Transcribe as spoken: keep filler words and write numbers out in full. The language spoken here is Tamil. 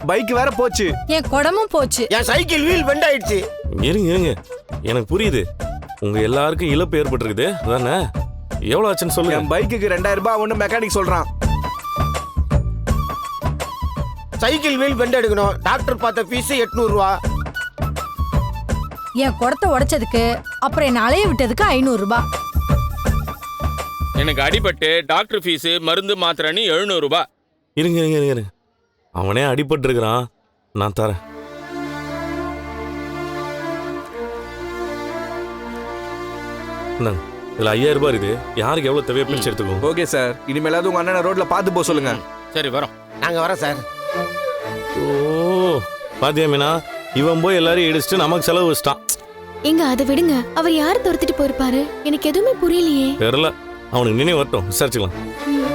பைக் வேற போச்சு. என் குடமும் போச்சு. என் சைக்கிள் வீல் பெண்ட் ஆயிடுச்சு. இருங்க இருங்க, எனக்கு புரியுது. உங்க எல்லாருக்கும் இழப்பு ஏற்பட்டிருக்குது அதானே? எவ்வளவு ஆச்சுன்னு சொல்லுங்க. என் பைக்குக்கு ரெண்டாயிரம் ரூபாய் ஒண்ணு மெக்கானிக் சொல்றான். சைக்கிள் வீல் பெண்ட் எடுக்கணும். டாக்டர் பார்த்த ஃபீஸ் எட்நூறு ரூபா. என் குடத்தை உடைச்சதுக்கு அப்புறம் என்ன அலைய விட்டதுக்கு ஐநூறு ரூபாய். எனக்கு அடிபட்டு டாக்டர் ஃபீஸ் மருந்து மாத்திரைன்னு எழுநூறு ரூபாய். இருங்க இருங்க இருங்க இருங்க. அவனே அடிபட்டு இருக்கிறான், நான் தரேன். இந்தாங்க, இதுல ஐயாயிரம் ரூபாய் இருக்குது. யாருக்கு எவ்வளவு தேவையோ பிரிச்சு எடுத்துக்கோ. ஓகே சார், இனிமேலாவது உங்க அண்ணனை ரோட்ல பார்த்து போக சொல்லுங்க. சரி வரோம். நாங்க வரோம் சார். ஓ பாத்தியா மீனா, இவன் போய் எல்லாரையும் இடிச்சுட்டு நமக்கு செலவு வச்சிட்டான். எங்க அதை விடுங்க. அவர் யாரு துரத்திட்டு போயிருப்பாரு? எனக்கு எதுவுமே புரியலையே. தெரியல, அவனுக்கு நினைவு வரட்டும், விசாரிச்சுக்கலாம்.